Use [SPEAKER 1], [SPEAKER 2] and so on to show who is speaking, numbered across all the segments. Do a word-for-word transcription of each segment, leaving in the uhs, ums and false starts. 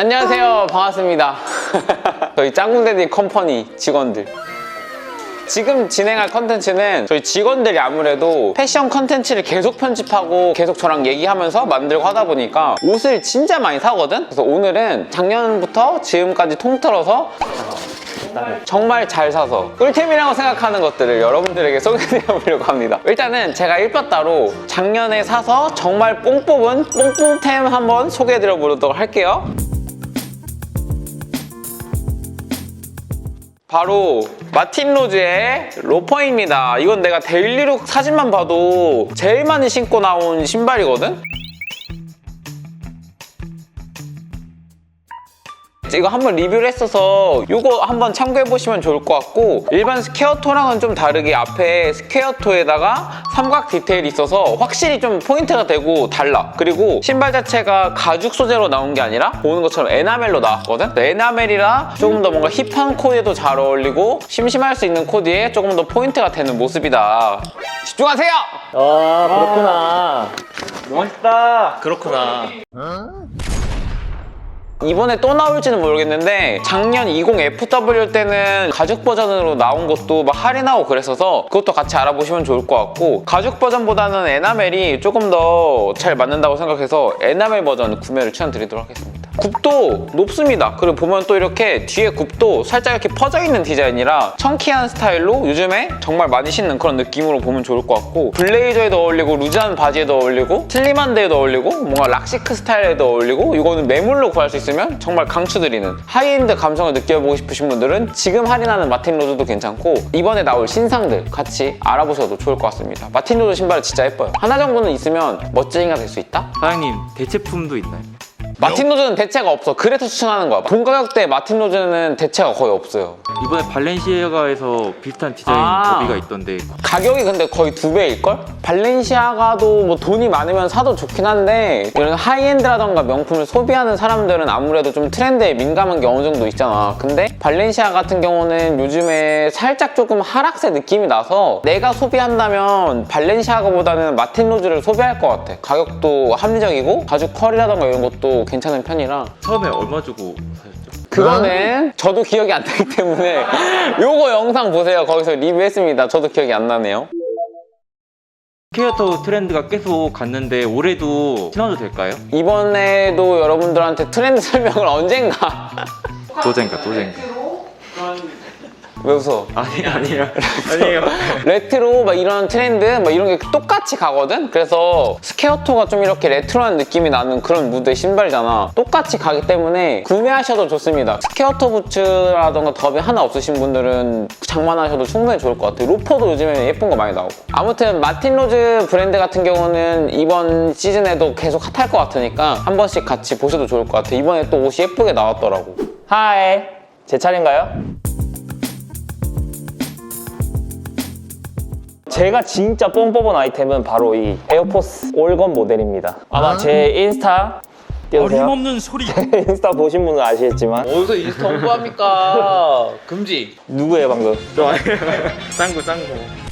[SPEAKER 1] 안녕하세요. 반갑습니다. 저희 짱구데디 컴퍼니 직원들. 지금 진행할 컨텐츠는 저희 직원들이 아무래도 패션 컨텐츠를 계속 편집하고 계속 저랑 얘기하면서 만들고 하다 보니까 옷을 진짜 많이 사거든? 그래서 오늘은 작년부터 지금까지 통틀어서 정말 잘 사서 꿀템이라고 생각하는 것들을 여러분들에게 소개해드려보려고 합니다. 일단은 제가 일바따로 작년에 사서 정말 뽕 뽑은 뽕뽕템 한번 소개해드려보도록 할게요. 바로 마틴 로즈의 로퍼입니다. 이건 내가 데일리룩 사진만 봐도 제일 많이 신고 나온 신발이거든? 이거 한번 리뷰를 했어서 이거 한번 참고해보시면 좋을 것 같고, 일반 스퀘어토랑은 좀 다르게 앞에 스퀘어토에다가 삼각 디테일이 있어서 확실히 좀 포인트가 되고 달라. 그리고 신발 자체가 가죽 소재로 나온 게 아니라 보는 것처럼 에나멜로 나왔거든? 에나멜이라 조금 더 뭔가 힙한 코디에도 잘 어울리고 심심할 수 있는 코디에 조금 더 포인트가 되는 모습이다. 집중하세요!
[SPEAKER 2] 아, 그렇구나.
[SPEAKER 1] 멋있다.
[SPEAKER 2] 그렇구나.
[SPEAKER 1] 이번에 또 나올지는 모르겠는데 작년 이십 에프더블유 때는 가죽 버전으로 나온 것도 막 할인하고 그랬어서 그것도 같이 알아보시면 좋을 것 같고, 가죽 버전보다는 에나멜이 조금 더 잘 맞는다고 생각해서 에나멜 버전 구매를 추천드리도록 하겠습니다. 굽도 높습니다. 그리고 보면 또 이렇게 뒤에 굽도 살짝 이렇게 퍼져있는 디자인이라 청키한 스타일로 요즘에 정말 많이 신는 그런 느낌으로 보면 좋을 것 같고, 블레이저에도 어울리고 루즈한 바지에도 어울리고 슬림한 데에도 어울리고 뭔가 락시크 스타일에도 어울리고, 이거는 매물로 구할 수 있으면 정말 강추드리는 하이엔드 감성을 느껴보고 싶으신 분들은 지금 할인하는 마틴 로즈도 괜찮고 이번에 나올 신상들 같이 알아보셔도 좋을 것 같습니다. 마틴 로즈 신발은 진짜 예뻐요. 하나 정도는 있으면 멋쟁이가 될 수 있다?
[SPEAKER 3] 사장님, 대체품도 있나요?
[SPEAKER 1] 마틴 로즈는 대체가 없어. 그래서 추천하는 거야. 본 가격대에 마틴 로즈는 대체가 거의 없어요.
[SPEAKER 3] 이번에 발렌시아가에서 비슷한 디자인
[SPEAKER 1] 아.
[SPEAKER 3] 더비가 있던데
[SPEAKER 1] 가격이 근데 거의 두 배일걸? 발렌시아가도 뭐 돈이 많으면 사도 좋긴 한데 이런 하이엔드라던가 명품을 소비하는 사람들은 아무래도 좀 트렌드에 민감한 게 어느 정도 있잖아. 근데 발렌시아 같은 경우는 요즘에 살짝 조금 하락세 느낌이 나서 내가 소비한다면 발렌시아가보다는 마틴 로즈를 소비할 것 같아. 가격도 합리적이고 가죽 컬이라던가 이런 것도 괜찮은 편이라.
[SPEAKER 3] 처음에 얼마 주고 사셨죠?
[SPEAKER 1] 그거는 저도 기억이 안 나기 때문에 요거 영상 보세요. 거기서 리뷰했습니다. 저도 기억이 안 나네요.
[SPEAKER 3] 스퀘어토 트렌드가 계속 갔는데 올해도 신어도 될까요?
[SPEAKER 1] 이번에도 여러분들한테 트렌드 설명을 언젠가
[SPEAKER 3] 도젠가 도젠가
[SPEAKER 1] 왜 웃어?
[SPEAKER 3] 아니 아니에요 아니에요
[SPEAKER 1] 레트로 막 이런 트렌드 막 이런 게 똑같이 가거든? 그래서 스퀘어토가 좀 이렇게 레트로한 느낌이 나는 그런 무드의 신발이잖아. 똑같이 가기 때문에 구매하셔도 좋습니다. 스퀘어토 부츠라던가 더비 하나 없으신 분들은 장만하셔도 충분히 좋을 것 같아요. 로퍼도 요즘에 예쁜 거 많이 나오고. 아무튼 마틴 로즈 브랜드 같은 경우는 이번 시즌에도 계속 핫할 것 같으니까 한 번씩 같이 보셔도 좋을 것 같아요. 이번에 또 옷이 예쁘게 나왔더라고. 하이, 제 차례인가요? 제가 진짜 뽕 뽑은 아이템은 바로 이 에어포스 올건 모델입니다. 아마 제 인스타 띄워주세요.
[SPEAKER 3] 어림없는 소리
[SPEAKER 1] 인스타 보신 분은 아시겠지만
[SPEAKER 2] 어디서 인스타 홍보합니까? 금지.
[SPEAKER 1] 누구예요 방금?
[SPEAKER 3] 짱구 짱구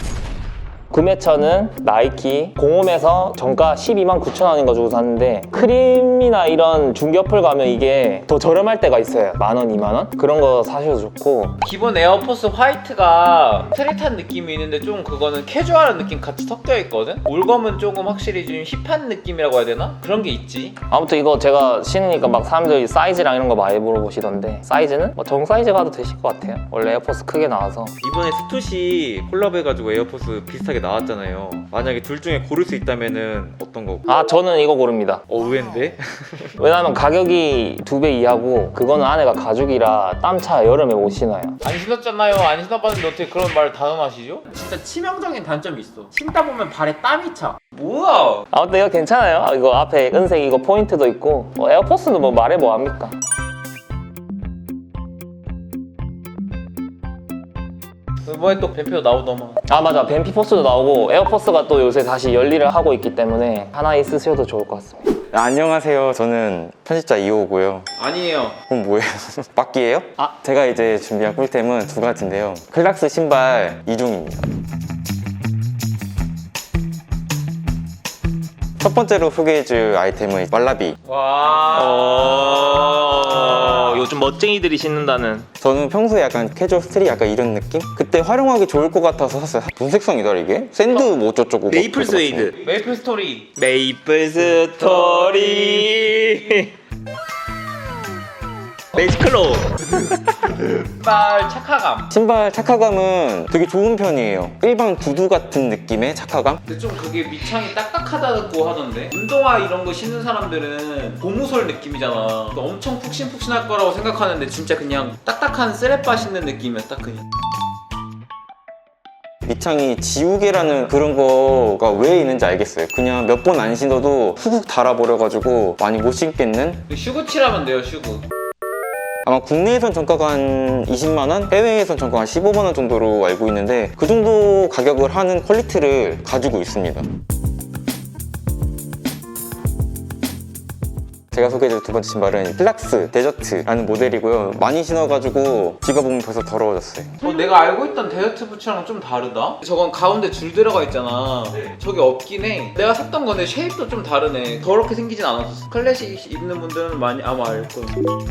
[SPEAKER 1] 구매처는 나이키 공홈에서 정가 십이만 구천 원인가 주고 샀는데 크림이나 이런 중저플 가면 이게 더 저렴할 때가 있어요. 만 원, 이만 원? 그런 거 사셔도 좋고.
[SPEAKER 2] 기본 에어포스 화이트가 스트릿한 느낌이 있는데 좀 그거는 캐주얼한 느낌 같이 섞여 있거든? 올검은 조금 확실히 좀 힙한 느낌이라고 해야 되나? 그런 게 있지.
[SPEAKER 1] 아무튼 이거 제가 신으니까 막 사람들이 사이즈랑 이런 거 많이 물어보시던데 사이즈는 뭐 정 사이즈 가도 되실 것 같아요. 원래 에어포스 크게 나와서.
[SPEAKER 3] 이번에 스투시 콜라보해가지고 에어포스 비슷하게 나왔잖아요. 만약에 둘 중에 고를 수 있다면은 어떤 거?
[SPEAKER 1] 아 저는 이거 고릅니다.
[SPEAKER 3] 어 의외인데?
[SPEAKER 1] 왜냐면 가격이 두 배 이하고 그거는 안에가 가죽이라 땀차 여름에 못 신어요.
[SPEAKER 2] 안 신었잖아요. 안 신어봤는데 어떻게 그런 말을 다음하시죠? 진짜 치명적인 단점이 있어. 신다 보면 발에 땀이 차. 뭐야?
[SPEAKER 1] 아무튼 이거 괜찮아요. 아, 이거 앞에 은색 이거 포인트도 있고 뭐 에어포스는 뭐 말해 뭐합니까.
[SPEAKER 2] 이번에 또 뱀표 나오더만.
[SPEAKER 1] 아 맞아, 뱀피포스도 나오고 에어포스가 또 요새 다시 열일을 하고 있기 때문에 하나 있으셔도 좋을 것 같습니다.
[SPEAKER 4] 아, 안녕하세요. 저는 편집자 이호고요.
[SPEAKER 2] 아니에요.
[SPEAKER 4] 그럼 뭐예요? 막기예요? 아, 제가 이제 준비한 꿀템은 두 가지인데요. 클락스 신발 이 종입니다. 첫 번째로 소개해줄 아이템은 왈라비.
[SPEAKER 2] 와.
[SPEAKER 5] 요즘 멋쟁이들이 신는다는.
[SPEAKER 4] 저는 평소에 약간 캐주얼 스트릿 약간 이런 느낌? 그때 활용하기 좋을 것 같아서 샀어요. 무슨 색상이다 이게? 샌드 뭐 어쩌고저쩌고
[SPEAKER 5] 메이플
[SPEAKER 4] 막 그거 같네.
[SPEAKER 5] 스웨이드.
[SPEAKER 2] 메이플 스토리.
[SPEAKER 5] 메이플 스토리. 매직클로.
[SPEAKER 2] 신발 착화감.
[SPEAKER 4] 신발 착화감은 되게 좋은 편이에요. 일반 구두 같은 느낌의 착화감?
[SPEAKER 2] 근데 좀 그게 밑창이 딱딱하다고 하던데 운동화 이런 거 신는 사람들은 고무솔 느낌이잖아. 그러니까 엄청 푹신푹신할 거라고 생각하는데 진짜 그냥 딱딱한 쓰레빠 신는 느낌이야 딱 그냥.
[SPEAKER 4] 밑창이 지우개라는 그런 거가 왜 있는지 알겠어요. 그냥 몇 번 안 신어도 훅훅 달아버려가지고 많이 못 신겠는?
[SPEAKER 2] 슈구칠하면 돼요 슈구.
[SPEAKER 4] 아마 국내에선 정가가 한 이십만 원, 해외에선 정가가 한 십오만 원 정도로 알고 있는데 그 정도 가격을 하는 퀄리티를 가지고 있습니다. 제가 소개해줄 두 번째 신발은 필락스 데저트라는 모델이고요. 많이 신어가지고 지가 보면 벌써 더러워졌어요.
[SPEAKER 2] 어, 내가 알고 있던 데저트 부츠랑 좀 다르다? 저건 가운데 줄 들어가 있잖아. 저게 없긴 해. 내가 샀던 건데 쉐입도 좀 다르네. 더럽게 생기진 않았어. 클래식 입는 분들은 많이 아마 알 거야.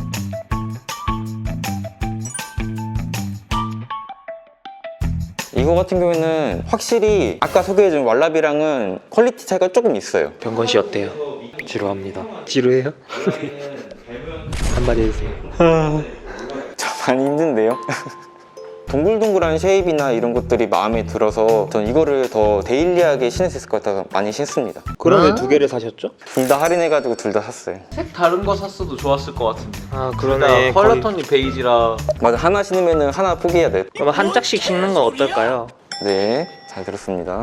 [SPEAKER 4] 이거 같은 경우에는 확실히 아까 소개해준 왈라비랑은 퀄리티 차이가 조금 있어요.
[SPEAKER 5] 병건 씨 어때요? 지루합니다. 지루해요? 한마디 해주세요.
[SPEAKER 4] 저 많이 힘든데요? 동글동글한 쉐입이나 이런 것들이 마음에 들어서 전 이거를 더 데일리하게 신을 수 있을 것 같아서 많이 신습니다.
[SPEAKER 5] 그럼 왜 두 개를 사셨죠?
[SPEAKER 4] 둘 다 할인해가지고 둘 다 샀어요.
[SPEAKER 2] 색 다른 거 샀어도 좋았을 것 같은데.
[SPEAKER 5] 아
[SPEAKER 2] 그러네. 컬러 톤이 베이지라.
[SPEAKER 4] 맞아, 하나 신으면 하나 포기해야 돼.
[SPEAKER 5] 그럼 한 짝씩 신는 건 어떨까요?
[SPEAKER 4] 네, 잘 들었습니다.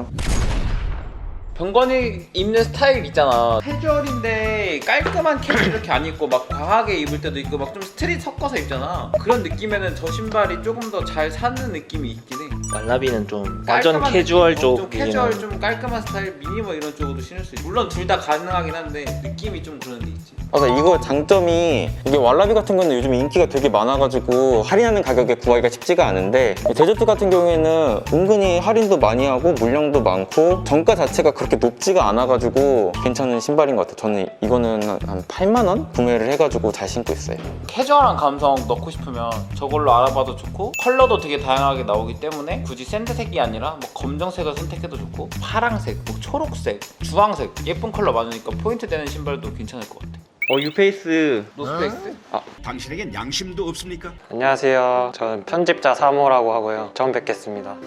[SPEAKER 2] 병건이 입는 스타일 있잖아. 캐주얼인데 깔끔한 캐주얼 이렇게 안 입고 막 과하게 입을 때도 있고 막 좀 스트릿 섞어서 입잖아. 그런 느낌에는 저 신발이 조금 더 잘 사는 느낌이 있긴 해.
[SPEAKER 5] 왈라비는 좀 완전
[SPEAKER 2] 깔끔한
[SPEAKER 5] 캐주얼
[SPEAKER 2] 느낌, 어,
[SPEAKER 5] 쪽.
[SPEAKER 2] 좀 캐주얼 좀 깔끔한 스타일 미니머 이런 쪽으로 신을 수 있어. 물론 둘 다 가능하긴 한데 느낌이 좀 그런 데 있지.
[SPEAKER 4] 맞아, 이거 장점이 이게 왈라비 같은 거는 요즘 인기가 되게 많아가지고 할인하는 가격에 구하기가 쉽지가 않은데 이 데저트 같은 경우에는 은근히 할인도 많이 하고 물량도 많고 정가 자체가 그렇게 높지가 않아가지고 괜찮은 신발인 것 같아요. 저는 이거는 한 팔만 원 구매를 해가지고 잘 신고 있어요.
[SPEAKER 2] 캐주얼한 감성 넣고 싶으면 저걸로 알아봐도 좋고 컬러도 되게 다양하게 나오기 때문에 굳이 샌드색이 아니라 뭐 검정색을 선택해도 좋고 파랑색, 뭐 초록색, 주황색 예쁜 컬러 많으니까 포인트 되는 신발도 괜찮을 것 같아.
[SPEAKER 3] 어 유페이스.
[SPEAKER 2] 노스페이스?
[SPEAKER 6] 당신에겐 양심도 없습니까?
[SPEAKER 7] 안녕하세요. 저는 편집자 사모라고 하고요. 처음 뵙겠습니다.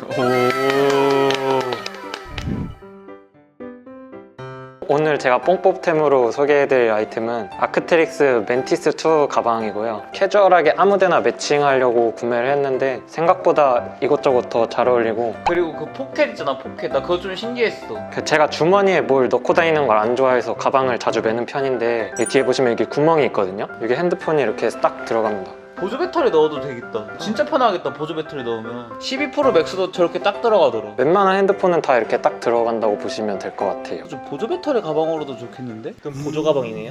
[SPEAKER 7] 오늘 제가 뽕뽑템으로 소개해드릴 아이템은 아크테릭스 멘티스 투 가방이고요. 캐주얼하게 아무데나 매칭하려고 구매를 했는데 생각보다 이것저것 더 잘 어울리고,
[SPEAKER 2] 그리고 그 포켓 있잖아 포켓. 나 그거 좀 신기했어.
[SPEAKER 7] 그 제가 주머니에 뭘 넣고 다니는 걸 안 좋아해서 가방을 자주 매는 편인데, 이 뒤에 보시면 여기 구멍이 있거든요. 여기 핸드폰이 이렇게 딱 들어갑니다.
[SPEAKER 2] 보조 배터리 넣어도 되겠다. 진짜 편하겠다 보조 배터리 넣으면. 십이 프로 맥스도 저렇게 딱 들어가더라.
[SPEAKER 7] 웬만한 핸드폰은 다 이렇게 딱 들어간다고 보시면 될 것 같아요.
[SPEAKER 2] 좀 보조 배터리 가방으로도 좋겠는데?
[SPEAKER 5] 그럼 보조 가방이네요.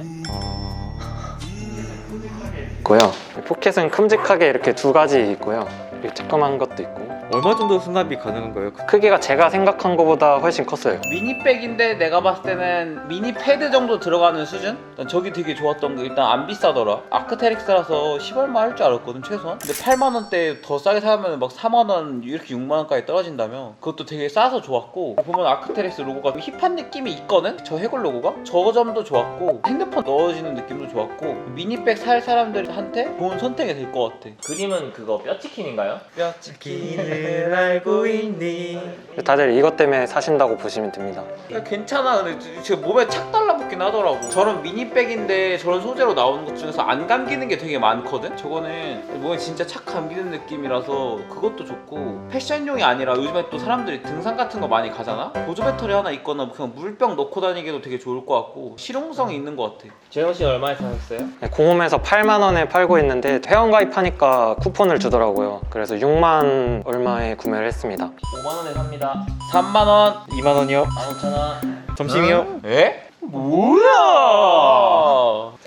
[SPEAKER 7] 있고요. 포켓은 큼직하게 이렇게 두 가지 있고요. 이렇게 조그만 것도 있고.
[SPEAKER 3] 얼마 정도 수납이 가능한가요?
[SPEAKER 7] 크기가 제가 생각한 것보다 훨씬 컸어요.
[SPEAKER 2] 미니백인데 내가 봤을 때는 미니 패드 정도 들어가는 수준? 난 저기 되게 좋았던 게 일단 안 비싸더라. 아크테릭스라서 십 얼마 할 줄 알았거든 최소한. 근데 팔만 원대 더 싸게 사면 막 사만 원 이렇게 육만 원까지 떨어진다며. 그것도 되게 싸서 좋았고, 보면 아크테릭스 로고가 힙한 느낌이 있거든? 저 해골 로고가? 저 점도 좋았고, 핸드폰 넣어지는 느낌도 좋았고, 미니백 살 사람들한테 좋은 선택이 될 것 같아.
[SPEAKER 5] 그림은 그거 뼈치킨인가요?
[SPEAKER 2] 뼈치킨을
[SPEAKER 3] 알고 있니?
[SPEAKER 7] 다들 이것 때문에 사신다고 보시면 됩니다.
[SPEAKER 2] 야, 괜찮아. 근데 지금 몸에 착 달라붙긴 하더라고. 저런 미니백인데 저런 소재로 나오는 것 중에서 안 감기는 게 되게 많거든? 저거는 몸에 진짜 착 감기는 느낌이라서 그것도 좋고, 패션용이 아니라 요즘에 또 사람들이 등산 같은 거 많이 가잖아? 보조 배터리 하나 있거나 그냥 물병 넣고 다니기도 되게 좋을 것 같고 실용성이 있는 것 같아.
[SPEAKER 5] 재영 씨 얼마에 사셨어요?
[SPEAKER 7] 네, 공홈에서 팔만 원에 팔고 있는데 회원가입하니까 쿠폰을 주더라고요. 그래서 육만 얼마에 구매를 했습니다.
[SPEAKER 5] 오만 원에 삽니다.
[SPEAKER 2] 삼만 원.
[SPEAKER 3] 이만 원이요?
[SPEAKER 5] 만 오천 원.
[SPEAKER 3] 점심이요?
[SPEAKER 2] 에? 뭐야?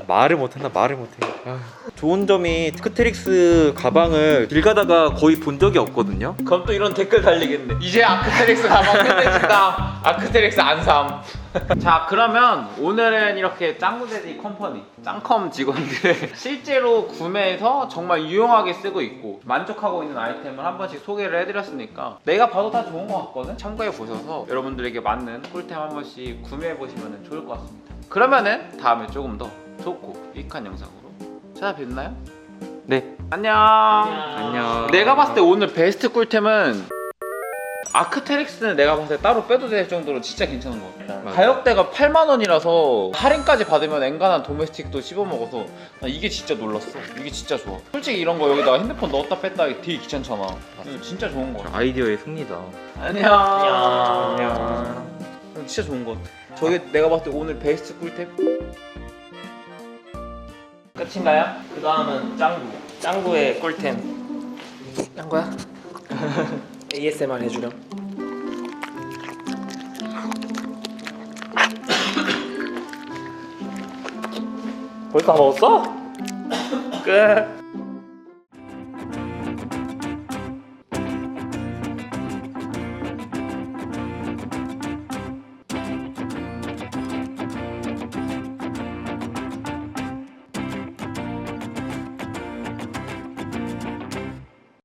[SPEAKER 3] 말을 못한다 말을 못해. 아, 좋은 점이 아크테릭스 가방을 길 가다가 거의 본 적이 없거든요.
[SPEAKER 2] 그럼 또 이런 댓글 달리겠네. 이제 아크테릭스 가방 끝내준다. 아크테릭스 안삼. 자, 그러면 오늘은 이렇게 짱구데디 컴퍼니 짱컴 직원들의 실제로 구매해서 정말 유용하게 쓰고 있고 만족하고 있는 아이템을 한 번씩 소개를 해드렸으니까 내가 봐도 다 좋은 것 같거든. 참고해 보셔서 여러분들에게 맞는 꿀템 한 번씩 구매해 보시면 좋을 것 같습니다. 그러면은 다음에 조금 더 좋고 유익한 영상으로 찾아뵙나요?
[SPEAKER 3] 네.
[SPEAKER 2] 안녕.
[SPEAKER 3] 안녕.
[SPEAKER 2] 내가 봤을 때 오늘 베스트 꿀템은 아크테릭스는 내가 봤을 때 따로 빼도 될 정도로 진짜 괜찮은 것 같아.
[SPEAKER 3] 맞아.
[SPEAKER 2] 가격대가 팔만 원이라서 할인까지 받으면 엔간한 도메스틱도 씹어먹어서 나 이게 진짜 놀랐어. 이게 진짜 좋아. 솔직히 이런 거 여기다가 핸드폰 넣었다 뺐다 하기 되게 귀찮잖아. 이거 진짜 좋은 거 같아.
[SPEAKER 3] 아이디어의 승리다.
[SPEAKER 2] 안녕.
[SPEAKER 3] 안녕.
[SPEAKER 2] 진짜 좋은 것 같아. 저게 내가 봤을 때 오늘 베스트 꿀템?
[SPEAKER 5] 끝인가요? 그 다음은 짱구. 짱구의 꿀템. 짱구야? 에이에스엠알 해주렴. 벌써 다 먹었어? 끝.